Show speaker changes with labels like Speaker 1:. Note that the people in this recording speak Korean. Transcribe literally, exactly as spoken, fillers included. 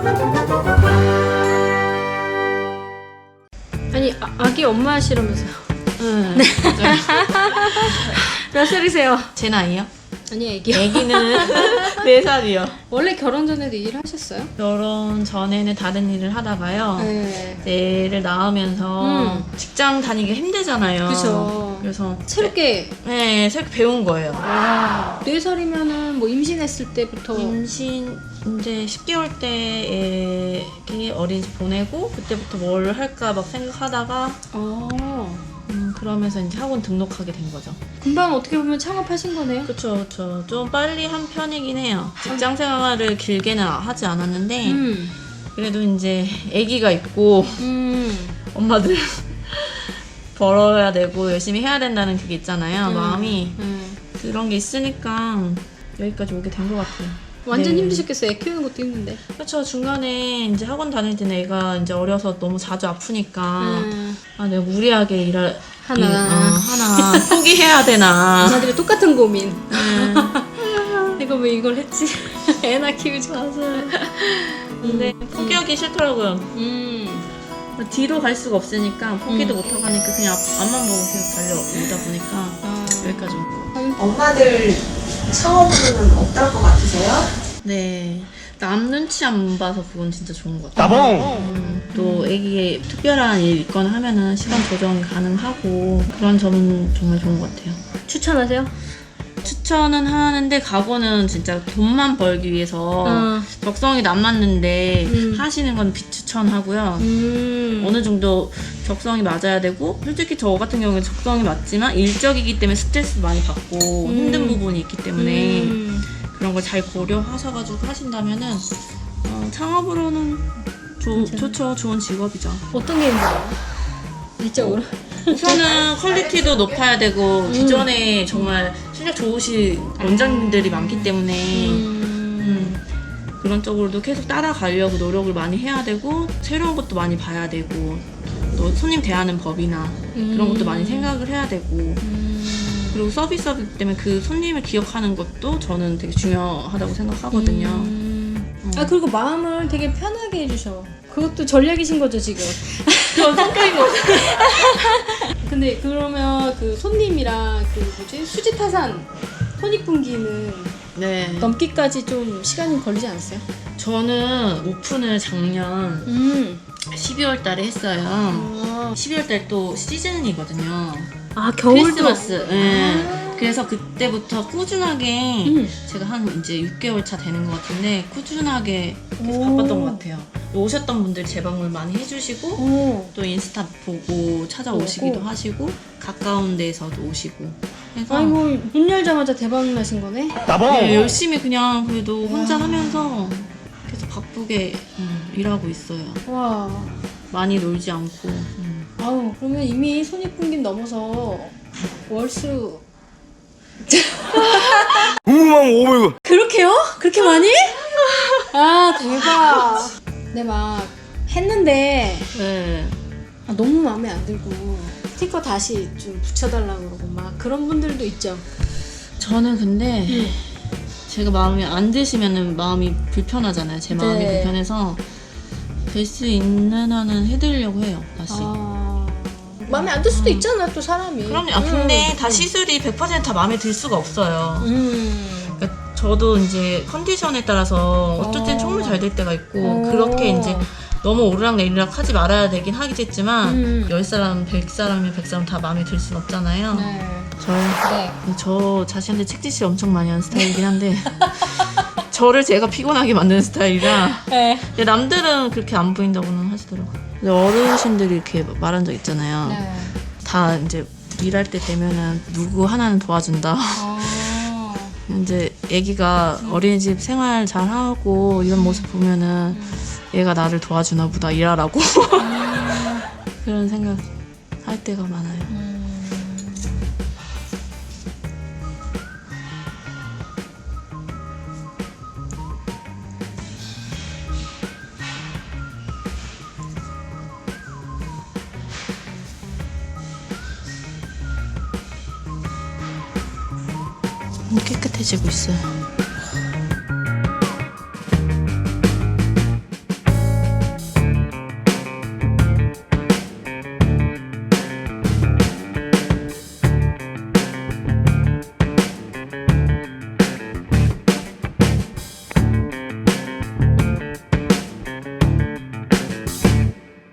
Speaker 1: 아니 아, 아기 엄마 하시라면서요?
Speaker 2: 응.
Speaker 1: 몇 살이세요?
Speaker 2: 제 나이요?
Speaker 1: 아니 애기요.
Speaker 2: 애기는 네 살이요.
Speaker 1: 원래 결혼 전에도 일을 하셨어요?
Speaker 2: 결혼 전에는 다른 일을 하다가요.
Speaker 1: 네.
Speaker 2: 이제 애를 낳으면서
Speaker 1: 음.
Speaker 2: 직장 다니기 힘들잖아요.
Speaker 1: 그죠.
Speaker 2: 그래서
Speaker 1: 새롭게.
Speaker 2: 네, 새롭게 배운 거예요.
Speaker 1: 와. 네 살이면은 뭐 임신했을 때부터.
Speaker 2: 임신 이제 십 개월 때 애기 어린이집 보내고 그때부터 뭘 할까 막 생각하다가
Speaker 1: 어.
Speaker 2: 음, 그러면서 이제 학원 등록하게 된 거죠.
Speaker 1: 금방 어떻게 보면 창업하신 거네요.
Speaker 2: 그쵸, 그쵸. 좀 빨리 한 편이긴 해요. 직장 생활을 길게는 하지 않았는데
Speaker 1: 음.
Speaker 2: 그래도 이제 아기가 있고
Speaker 1: 음.
Speaker 2: 엄마들 벌어야 되고 열심히 해야 된다는 그게 있잖아요.
Speaker 1: 음.
Speaker 2: 마음이.
Speaker 1: 음.
Speaker 2: 그런 게 있으니까 여기까지 오게 된 것 같아요.
Speaker 1: 완전
Speaker 2: 네.
Speaker 1: 힘드셨겠어요. 애 키우는 것도 힘든데.
Speaker 2: 그렇죠. 중간에 이제 학원 다닐 때는 애가 이제 어려서 너무 자주 아프니까
Speaker 1: 음.
Speaker 2: 아 내가 무리하게 일할
Speaker 1: 하나.
Speaker 2: 일, 어, 하나 포기해야 되나.
Speaker 1: 엄마들이 똑같은 고민.
Speaker 2: 네.
Speaker 1: 내가 왜 이걸 했지? 애나 키우지 마서.
Speaker 2: 근데 포기하기 싫더라고요.
Speaker 1: 음.
Speaker 2: 뒤로 갈 수가 없으니까 포기도
Speaker 1: 음.
Speaker 2: 못하고 하니까 그냥 앞, 앞만 보고 계속 달려오다 보니까
Speaker 1: 아.
Speaker 2: 여기까지 온 거예요.
Speaker 3: 엄마들 창업으로는 어떨 것 같으세요?
Speaker 2: 네. 남 눈치 안 봐서 그건 진짜 좋은 것 같아요.
Speaker 4: 따봉!
Speaker 2: 음, 또 애기에 특별한 일 있거나 하면은 시간 조정이 가능하고 그런 점은 정말 좋은 것 같아요.
Speaker 1: 추천하세요?
Speaker 2: 추천은 하는데 각오는 진짜 돈만 벌기 위해서
Speaker 1: 어.
Speaker 2: 적성이 안 맞는데
Speaker 1: 음.
Speaker 2: 하시는 건 비추천하고요.
Speaker 1: 음.
Speaker 2: 어느 정도 적성이 맞아야 되고 솔직히 저 같은 경우는 적성이 맞지만 일적이기 때문에 스트레스 많이 받고
Speaker 1: 음.
Speaker 2: 힘든 부분이 있기 때문에
Speaker 1: 음.
Speaker 2: 그런 걸 잘 고려하셔가지고 하신다면은 어, 창업으로는 조, 좋죠. 좋은 직업이죠.
Speaker 1: 어떤 게 힘들어요? 일적으로?
Speaker 2: 우선은 퀄리티도 높아야 되고 기존에 정말 실력 좋으신 원장님들이 많기 때문에 음, 그런 쪽으로도 계속 따라가려고 노력을 많이 해야 되고 새로운 것도 많이 봐야 되고 또 손님 대하는 법이나 그런 것도 많이 생각을 해야 되고 그리고 서비스업이기 때문에 그 손님을 기억하는 것도 저는 되게 중요하다고 생각하거든요.
Speaker 1: 음.
Speaker 2: 음.
Speaker 1: 아 그리고 마음을 되게 편하게 해주셔. 그것도 전략이신 거죠 지금.
Speaker 2: 그런 성격인 거죠.
Speaker 1: 근데 그러면 그 손님이랑 그 뭐지 수지타산 손익분기는
Speaker 2: 네.
Speaker 1: 넘기까지 좀 시간이 걸리지 않았어요?
Speaker 2: 저는 오픈을 작년
Speaker 1: 음.
Speaker 2: 십이월 달에 했어요.
Speaker 1: 아,
Speaker 2: 십이월 달 또 시즌이거든요.
Speaker 1: 아 겨울도.
Speaker 2: 크리스마스. 예. 그래서 그때부터 꾸준하게
Speaker 1: 음.
Speaker 2: 제가 한 이제 육 개월 차 되는 것 같은데 꾸준하게 계속
Speaker 1: 오.
Speaker 2: 바빴던 것 같아요. 오셨던 분들이 재방문 많이 해주시고
Speaker 1: 오.
Speaker 2: 또 인스타 보고 찾아오시기도
Speaker 1: 오고.
Speaker 2: 하시고 가까운 데에서도 오시고 해서
Speaker 1: 아이고 문 열자마자 대박 나신 거네.
Speaker 4: 따봉!
Speaker 2: 네, 열심히 그냥 그래도 혼자 하면서 계속 바쁘게 음, 일하고 있어요.
Speaker 1: 와.
Speaker 2: 많이 놀지 않고. 음.
Speaker 1: 아우 그러면 이미 손익분기 넘어서 월수
Speaker 4: 우왕 오백
Speaker 1: 그렇게요? 그렇게 많이? 아 대박. 네 막 했는데
Speaker 2: 네.
Speaker 1: 아, 너무 마음에 안 들고 스티커 다시 좀 붙여달라고 그러고 막 그런 분들도 있죠.
Speaker 2: 저는 근데
Speaker 1: 음.
Speaker 2: 제가 마음이 안 드시면은 마음이 불편하잖아요. 제 마음이
Speaker 1: 네.
Speaker 2: 불편해서 될 수 있는 한은 해드리려고 해요. 다시.
Speaker 1: 아, 마음에 안 들 수도 있잖아 또 사람이.
Speaker 2: 그럼요. 아, 근데
Speaker 1: 음.
Speaker 2: 다 시술이 백 퍼센트 다 마음에 들 수가 없어요.
Speaker 1: 음.
Speaker 2: 그러니까 저도 이제 컨디션에 따라서 어쩔 땐
Speaker 1: 어.
Speaker 2: 정말 잘 될 때가 있고
Speaker 1: 어.
Speaker 2: 그렇게 이제 너무 오르락내리락 하지 말아야 되긴 하겠지만
Speaker 1: 음.
Speaker 2: 열 사람, 백 사람이면 백 사람 다 마음에 들 순 없잖아요.
Speaker 1: 네.
Speaker 2: 저,
Speaker 1: 네.
Speaker 2: 저 자신한테 책짓을 엄청 많이 하는 스타일이긴 한데 저를 제가 피곤하게 만드는 스타일이라
Speaker 1: 네.
Speaker 2: 근데 남들은 그렇게 안 보인다고는 하시더라고요. 근데 어르신들이 이렇게 말한 적 있잖아요.
Speaker 1: 네.
Speaker 2: 다 이제 일할 때 되면은 누구 하나는 도와준다.
Speaker 1: 아.
Speaker 2: 이제 애기가 어린이집 생활 잘 하고 이런 모습 보면은 얘가 나를 도와주나 보다 일하라고 그런 생각 할 때가 많아요.
Speaker 1: 음.
Speaker 2: 깨끗해지고 있어요.